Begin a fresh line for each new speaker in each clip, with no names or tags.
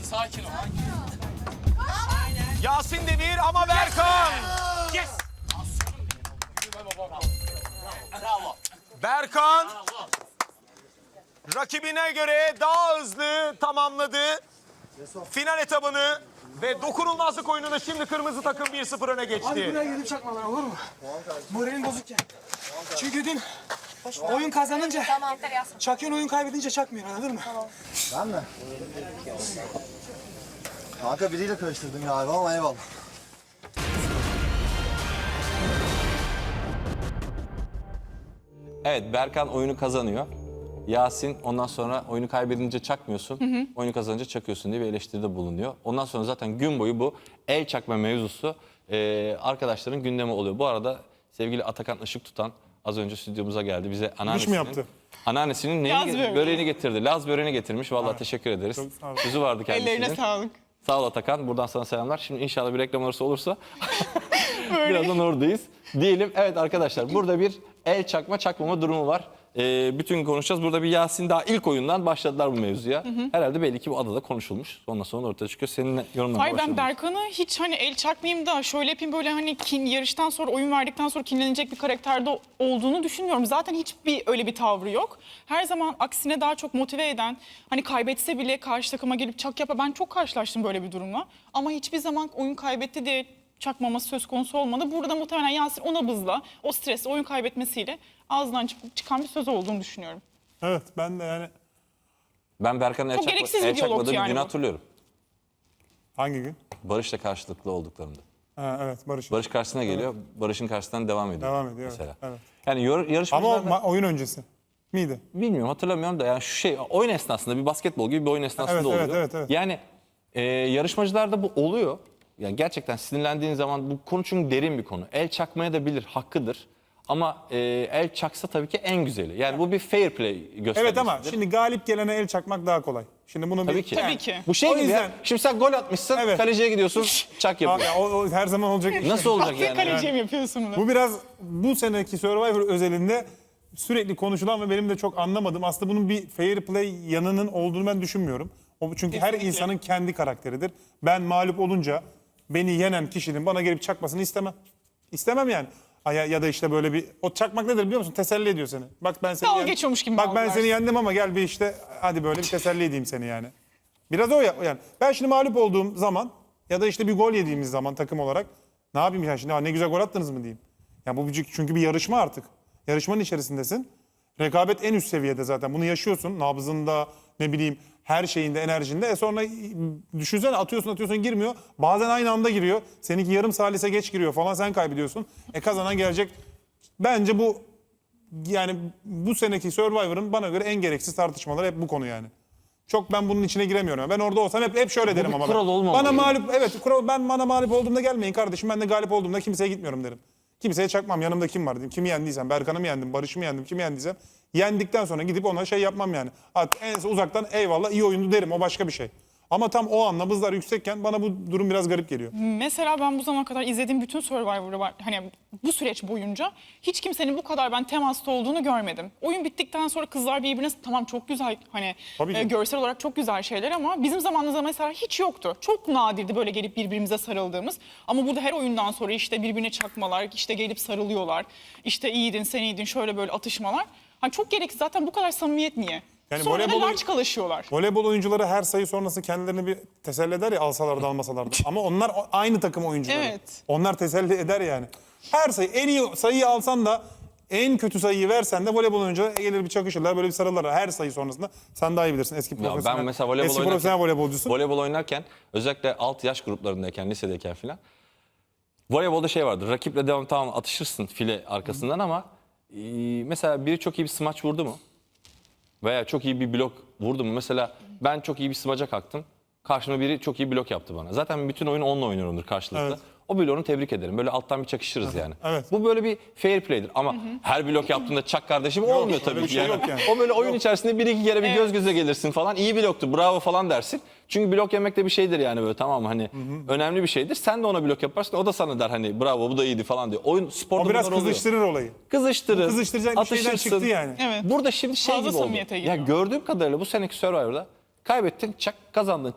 sakin ol.
Yasin de bir ama Berkan.
Yes. Bravo.
Berkan rakibine göre daha hızlı tamamladı final etabını ve dokunulmazlık oyununda şimdi kırmızı takım 1-0 öne
Hadi
geçti.
buraya gelip çakma bana, olur mu? Moralim bozuk ya. Çünkü dün oyun kazanınca çakıyorsun, oyun kaybedince çakmıyorsun, anladın mı?
Ben mi? Kanka biriyle karıştırdım galiba ama eyvallah.
Evet, Berkan oyunu kazanıyor. Yasin ondan sonra oyunu kaybedince çakmıyorsun, oyunu kazanınca çakıyorsun diye bir eleştiride bulunuyor. Ondan sonra zaten gün boyu bu el çakma mevzusu arkadaşların gündemi oluyor. Bu arada sevgili Atakan Işık Tutan az önce stüdyomuza geldi. Bize
mi yaptı?
Anneannesinin böreğini getirdi. Laz böreğini getirmiş. Vallahi teşekkür ederiz.
Çok sağ ol.
Sözü vardı kendisinin.
Ellerine sağlık.
Sağ ol Atakan. Buradan sana selamlar. Şimdi inşallah bir reklam arası olursa birazdan oradayız. Diyelim evet arkadaşlar burada bir el çakma çakmama durumu var. Bütün konuşacağız. Burada bir Yasin daha ilk oyundan başladılar bu mevzuya. Herhalde belli ki bu adada konuşulmuş. Ondan sonra ortaya çıkıyor. Senin yorumlarına
Hayır, ben
başlayalım.
Berkan'ı hiç hani el çakmayayım da şöyle yapayım böyle hani yarıştan sonra oyun verdikten sonra kinlenecek bir karakterde olduğunu düşünmüyorum. Zaten hiçbir öyle bir tavrı yok. Her zaman aksine daha çok motive eden, hani kaybetse bile karşı takıma gelip çak yapa, ben çok karşılaştım böyle bir durumla. Ama hiçbir zaman oyun kaybetti diye çakmaması söz konusu olmadı. Burada muhtemelen Yasin o nabızla, o stresle, oyun kaybetmesiyle ağzından çıkan bir söz olduğunu düşünüyorum.
Evet, ben de yani
Ben Berkan'ın
Çok gereksiz bir
el
diyalog
çakmadığı bir
yani
günü
bu.
hatırlıyorum.
hangi gün?
Barış'la karşılıklı olduklarında.
Ha, evet, Barış.
Barış karşısına geliyor. Barış'ın karşısından devam ediyor.
Devam ediyor,
mesela.
evet.
Yani
Ama o
yarışmacılar
oyun öncesi miydi?
bilmiyorum hatırlamıyorum da yani şu şey oyun esnasında bir basketbol gibi bir oyun esnasında
Evet,
oluyor.
evet, evet.
Yani yarışmacılarda bu oluyor. Yani gerçekten sinirlendiğin zaman bu konu çünkü derin bir konu. El çakmaya da bilir, hakkıdır. Ama el çaksa tabii ki en güzeli. Yani bu bir fair play göstergesidir.
Evet ama şimdi galip gelene el çakmak daha kolay. Şimdi bunu
Tabii
bir...
ki.
Tabii ki.
Bu şey
O
gibi
yüzden-
ya. Şimdi sen gol atmışsın,
Evet.
kaleciye gidiyorsun, çak
Ya,
yapıyor.
o her zaman olacak iş.
Nasıl olacak
Aferin
yani?
kaleciye mi yapıyorsun bunu?
Bu biraz bu seneki Survivor özelinde sürekli konuşulan ve benim de çok anlamadığım, aslında bunun bir fair play yanının olduğunu ben düşünmüyorum. O çünkü her insanın kendi karakteridir. Ben mağlup olunca beni yenen kişinin bana gelip çakmasını istemem. İstemem yani. Ya da işte böyle bir, o çakmak nedir biliyor musun? Teselli ediyor seni. Bak ben seni
Dalga geçiyormuş gibi
Bak ben
algılarsın.
seni yendim ama gel bir işte hadi böyle bir teselli edeyim seni yani. Biraz o yani. Ben şimdi mağlup olduğum zaman ya da işte bir gol yediğimiz zaman takım olarak ne yapayım yani şimdi ne güzel gol attınız mı diyeyim. Ya bu çünkü bir yarışma artık. Yarışmanın içerisindesin. Rekabet en üst seviyede zaten. Bunu yaşıyorsun. Nabzında ne bileyim her şeyinde, enerjinde. Sonra düşünsene atıyorsun girmiyor. Bazen aynı anda giriyor. Seninki yarım salise geç giriyor falan, sen kaybediyorsun. Kazanan gelecek. Bence bu yani bu seneki Survivor'ın bana göre en gereksiz tartışmaları hep bu konu yani. Çok ben bunun içine giremiyorum. Ben orada olsam hep şöyle derim
bir
ama.
kural olmamalı
Bana
yani.
mağlup, evet kural, bana mağlup olduğumda gelmeyin kardeşim. Ben de galip olduğumda kimseye gitmiyorum derim. Kimseye çakmam. Yanımda kim var diyeyim. Kimi yendiysem, Berkan'ı mı yendim, Barış'ı mı yendim, kimi yendiysem. Yendikten sonra gidip ona şey yapmam yani. En uzaktan eyvallah iyi oyundu derim, o başka bir şey. Ama tam o an nabızlar yüksekken bana bu durum biraz garip geliyor.
Mesela ben bu zamana kadar izlediğim bütün Survivor'ı var. Hani bu süreç boyunca hiç kimsenin bu kadar ben temasta olduğunu görmedim. Oyun bittikten sonra kızlar birbirine tamam çok güzel hani
Tabii ki.
görsel olarak çok güzel şeyler ama bizim zamanımızda mesela hiç yoktu. Çok nadirdi böyle gelip birbirimize sarıldığımız. Ama burada her oyundan sonra işte birbirine çakmalar, işte gelip sarılıyorlar. İşte iyiydin, sen iyiydin, şöyle böyle atışmalar. Hani çok gereksiz, zaten bu kadar samimiyet niye?
Yani
Sonra da
voleybol-
laçkalaşıyorlar.
Voleybol oyuncuları her sayı sonrası kendilerini bir teselli eder ya, alsalar da almasalar da. Ama onlar aynı takım oyuncuları.
Evet.
Onlar teselli eder yani. Her sayı, en iyi sayıyı alsan da en kötü sayıyı versen de voleybol oyuncuları gelir bir çakışırlar, böyle bir sarılırlar her sayı sonrasında. Sen daha iyi bilirsin, eski
Ya
profesyonel.
ben mesela voleybol
eski profesyonel voleybolcusun.
Voleybol oynarken özellikle alt yaş gruplarındayken, lisedeyken filan voleybolda şey vardır. Rakiple devam tamam atışırsın file arkasından ama mesela biri çok iyi bir smaç vurdu mu? Veya çok iyi bir blok vurdu mu? Mesela ben çok iyi bir smaca kalktım. Karşıma biri çok iyi blok yaptı bana. Zaten bütün oyun onunla oynuyorumdur karşılıklı.
Evet.
O bloğunu tebrik ederim. Böyle alttan bir çakışırız yani.
Evet.
Bu böyle bir fair play'dir. Ama her blok yaptığında çak kardeşim olmuyor tabii
öyle bir
ki.
şey
Yani.
yok yani.
O böyle oyun içerisinde bir iki kere bir göz göze gelirsin falan. İyi bloktu, bravo falan dersin. Çünkü blok yemek de bir şeydir yani böyle, tamam mı? Hani önemli bir şeydir. Sen de ona blok yaparsın. O da sana der hani bravo bu da iyiydi falan diyor. Oyun sporda
O biraz
bunlar oluyor.
kızıştırır olayı.
Kızıştırır.
Kızıştıracak bir şeyden
atışırsın.
çıktı yani.
Evet.
Burada şimdi şey
Fazla
gibi oldu.
samimiyete
Ya
giriyor.
gördüğüm kadarıyla bu seneki Survivor'da kaybettin çak, kazandın çak.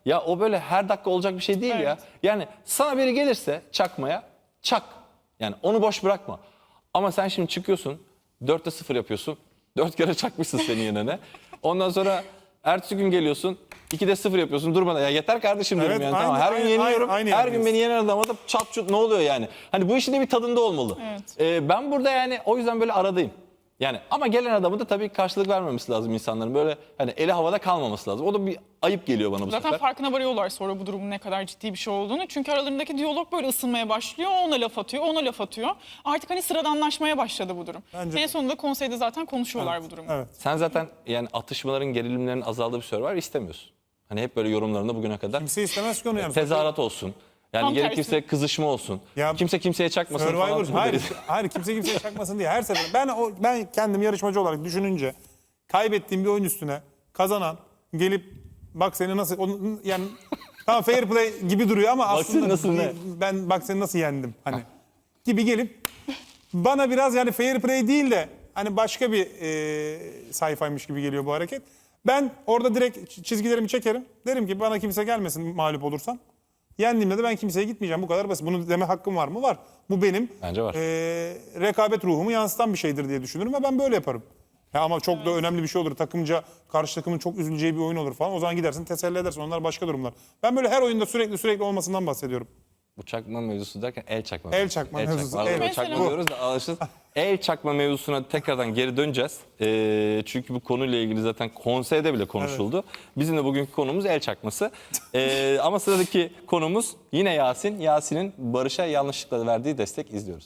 Ya o böyle her dakika olacak bir şey değil ya. Yani sana biri gelirse çakmaya çak. Yani onu boş bırakma. Ama sen şimdi çıkıyorsun 4'te 0 yapıyorsun. 4 kere çakmışsın senin yenene. Ondan sonra ertesi gün geliyorsun 2'de 0 yapıyorsun durmadan. Ya yeter kardeşim diyorum
Evet,
yani.
aynı-
Tamam, her gün
aynı-
yeniyorum.
aynı
Her gün
yerdeyiz.
beni yenen adama da çat çut ne oluyor yani. Hani bu işin de bir tadında olmalı. Ben burada yani o yüzden böyle aradayım. Yani ama gelen adamı da tabii karşılık vermemesi lazım insanların. Böyle hani eli havada kalmaması lazım. O da bir ayıp geliyor bana bu
Zaten
sefer.
farkına varıyorlar sonra bu durumun ne kadar ciddi bir şey olduğunu. Çünkü aralarındaki diyalog böyle ısınmaya başlıyor. O ona laf atıyor, ona laf atıyor. Artık hani sıradanlaşmaya başladı bu durum.
Bence
En sonunda konseyde zaten konuşuyorlar bu durumu.
Evet.
Sen zaten yani atışmaların, gerilimlerin azaldığı bir Survivor istemiyorsun. Hani hep böyle yorumlarında bugüne kadar
Kimse istemez ki onu yani.
tezahürat olsun. Yani
Tam
gerekirse
tersi.
kızışma olsun.
Ya,
Kimse kimseye çakmasın
Survivor,
falan.
hayır kimse kimseye çakmasın diye her sefer. Ben kendim yarışmacı olarak düşününce kaybettiğim bir oyun üstüne kazanan gelip bak seni nasıl yani tamam fair play gibi duruyor ama
Bak
aslında
seni nasıl ne?
ben bak seni nasıl yendim hani gibi gelip bana biraz yani fair play değil de hani başka bir sayfaymış gibi geliyor bu hareket. Ben orada direkt çizgilerimi çekerim. Derim ki bana kimse gelmesin mağlup olursam. Yendiğimde de ben kimseye gitmeyeceğim. Bu kadar basit. Bunu deme hakkım var mı? Var. Bu benim
Bence var.
Rekabet ruhumu yansıtan bir şeydir diye düşünürüm ve ben böyle yaparım. Ya ama çok da önemli bir şey olur. Takımca karşı takımın çok üzüleceği bir oyun olur falan. O zaman gidersin teselli edersin. Onlar başka durumlar. Ben böyle her oyunda sürekli olmasından bahsediyorum.
Bu çakma mevzusu derken el çakma.
El çakma mevzusu.
Arada
Evet.
çakma
Mesela.
diyoruz da alışırız. El çakma mevzusuna tekrardan geri döneceğiz. Çünkü bu konuyla ilgili zaten konseyde bile konuşuldu. Bizim de bugünkü konumuz el çakması. Ama sıradaki konumuz yine Yasin. Yasin'in Barış'a yanlışlıkla verdiği destek izliyoruz.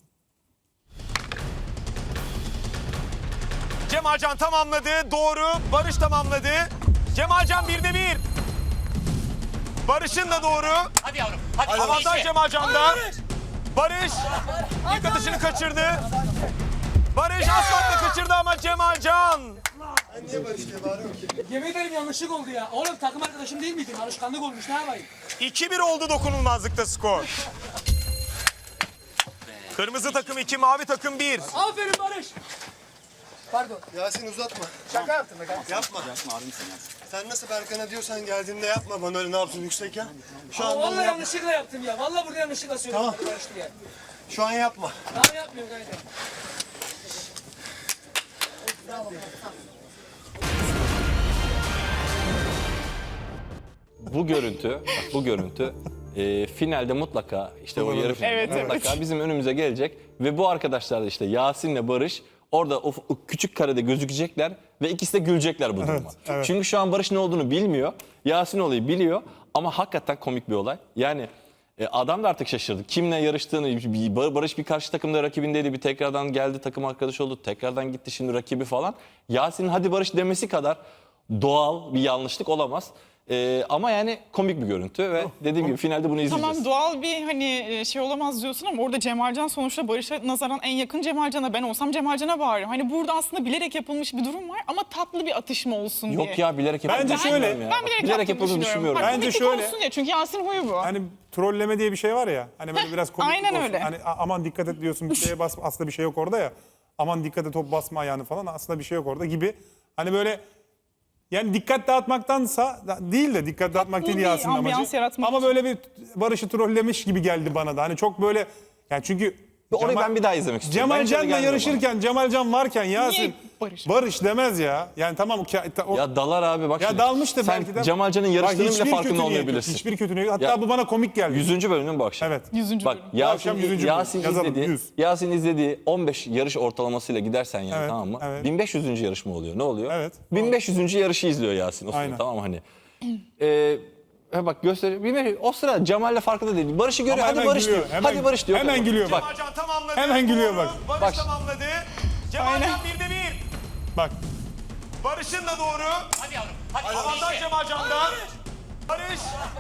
Cemalcan tamamladı. Doğru. Barış tamamladı. Cemalcan 1'de 1. Barış'ın da doğru.
Hadi yavrum. Hadi.
Avantaj Cemalcan'da. Barış ilk atışını kaçırdı. Barış asfaltla kaçırdı ama Cemalcan.
Yemin ederim yanlışlık oldu ya. Oğlum takım arkadaşım değil miydin? Alışkanlık olmuş ne yapayım?
2-1 oldu dokunulmazlıkta skor. Kırmızı takım 2, mavi takım 1.
Aferin Barış. Pardon.
Yasin uzatma. Şaka yaptım be kardeşim. Yapma. Sen nasıl Berkan'a diyorsan geldiğinde yapma bana öyle ne yapsın yüksek ya. Şu an
Vallahi yanlışlıkla yaptım ya. Vallahi burada yanlışlıkla söyledim.
Tamam.
Barış diye.
şu an yapma.
Daha yapmıyorum gayet.
Bu görüntü finalde mutlaka işte o yarı finalde
Evet,
mutlaka bizim önümüze gelecek ve bu arkadaşlar da işte Yasin'le Barış orada o küçük karede gözükecekler ve ikisi de gülecekler bu duruma.
evet.
Çünkü şu an Barış ne olduğunu bilmiyor. Yasin olayı biliyor ama hakikaten komik bir olay. Yani adam da artık şaşırdı. Kimle yarıştığını, Barış bir karşı takımda rakibindeydi. Bir tekrardan geldi takım arkadaşı oldu. Tekrardan gitti şimdi rakibi falan. Yasin'in hadi Barış demesi kadar doğal bir yanlışlık olamaz. Ama yani komik bir görüntü ve dediğim gibi finalde bunu izleyeceğiz.
Tamam doğal bir hani şey olamaz diyorsun ama orada Cemalcan sonuçta Barış'a nazaran en yakın Cemalcan'a. Ben olsam Cemalcan'a bağırırım. Hani burada aslında bilerek yapılmış bir durum var ama tatlı bir atışma olsun diye.
Yok ya bilerek yapıldığını
Bence şöyle,
düşünmüyorum ya.
Ben bilerek yaptığını düşünüyorum.
ben.
Bak,
Bence
komiklik
şöyle-
olsun diye. Çünkü Yasin huyu bu.
Hani trolleme diye bir şey var ya. Hani böyle biraz komik
aynen
olsun.
öyle.
Hani aman dikkat et diyorsun bir şeye basma. Aslında bir şey yok orada ya. Aman dikkat et top basma ayağını falan. Aslında bir şey yok orada gibi. Hani böyle yani dikkat dağıtmaktansa değil de dikkat dağıtmak değil
bir
Yasin'in
ambiyans
amacı.
yaratmak
Ama
için.
böyle bir Barış'ı trollemiş gibi geldi bana da. Hani çok böyle yani çünkü
Orayı ben bir daha izlemek istiyorum. Bence de
Cemalcan'la
gelmiyor
yarışırken Cemalcan varken Yasin
Barış?
demez ya. Yani tamam o,
Ya dalar abi bak.
ya
şimdi.
dalmış da
Sen
belki de.
Cemalcan'ın
Bak,
yarıştığının bile
hiçbir
farkında
kötü niyet yok,
olmayabilirsin.
Hiçbir kötü niyet. Hatta
Ya-
bu bana komik geldi.
100. bölümde mi bu akşam?
Evet.
100.
Bak
bölüm.
akşam 100. bölüm. Yazalım,
izlediği,
100.
Yasin izlediği 15 yarış ortalamasıyla gidersen yani
Evet,
tamam mı?
evet.
1500. yarışma oluyor. Ne oluyor?
Evet.
1500. yarışı izliyor Yasin o sırada
Aynen.
tamam mı hani. Bak gösteriyor. O sıra Cemal'le farkında değil. Barış'ı görüyor.
Ama
Hadi
hemen
Barış
gülüyor,
diyor.
hemen-
Hadi Barış diyor.
hemen gülüyor bak.
Cemalcan tamamladı.
Hemen gülüyor bak.
Barış
Bak.
tamamladı. Cemalcan 1'de 1.
Bak.
Barış'ın da doğru.
Hadi yavrum. Hadi.
Avantaj Cemalcan'da. Barış.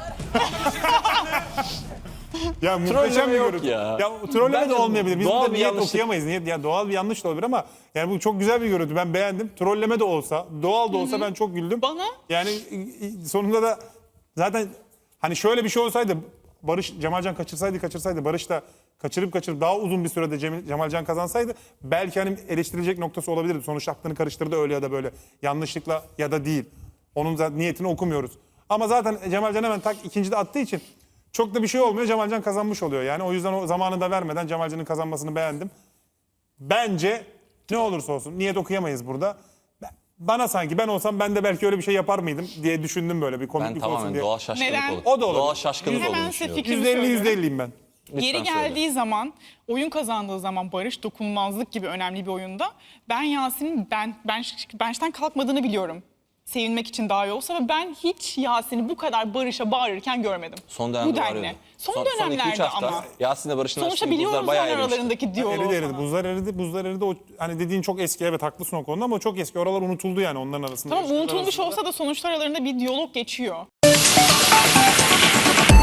Ya muhteşem
Trolleme
bir
yok
görüntü.
ya.
Trolleme
Bence
de olmayabilir. Biz
doğal
burada
bir
niyet
yanlışlık.
okuyamayız. Ya doğal bir yanlış da olabilir ama yani bu çok güzel bir görüntü. Ben beğendim. Trolleme de olsa, doğal da olsa ben çok güldüm.
Bana?
Yani sonunda da zaten hani şöyle bir şey olsaydı Barış Cemalcan kaçırsaydı Barış da kaçırıp daha uzun bir sürede Cemalcan kazansaydı belki hani eleştirilecek noktası olabilirdi. Sonuçta aklını karıştırdı öyle ya da böyle yanlışlıkla ya da değil. Onun zaten niyetini okumuyoruz. Ama zaten Cemalcan hemen tak ikincide attığı için çok da bir şey olmuyor. Cemalcan kazanmış oluyor yani. O yüzden o zamanı da vermeden Cemalcan'ın kazanmasını beğendim. Bence ne olursa olsun niyet okuyamayız burada. Bana sanki ben olsam ben de belki öyle bir şey yapar mıydım diye düşündüm böyle bir
Ben
komiklik olsun
tamamen
diye.
doğal şaşkınlık
Neden?
olur.
O da olabilir.
Doğal şaşkınlık
Hemen
olduğunu
size
düşünüyorum.
fikrimi söylüyorum.
%50'yim ben.
Yeri
Lütfen söyle.
geldiği zaman, oyun kazandığı zaman Barış dokunulmazlık gibi önemli bir oyunda ben Yasin'in bench'ten kalkmadığını biliyorum. Sevinmek için daha iyi olsa ve ben hiç Yasin'i bu kadar Barış'a bağırırken görmedim.
Son dönemde
bu denli.
bağırıyordu.
Son
Son 2-3
dönemlerde
hafta
ama.
Yasin'le Barış'ın
Sonuçta
arasındaki
biliyoruz
buzlar bayağı
onlar
erimişti.
aralarındaki diyaloğu
Eridi eridi.
falan.
Buzlar eridi. O hani dediğin çok eski. Evet haklısın o konuda ama o çok eski. Oralar unutuldu yani onların arasında.
Tamam
İlişkiler
unutulmuş
arasında.
olsa da sonuçta aralarında bir diyalog geçiyor.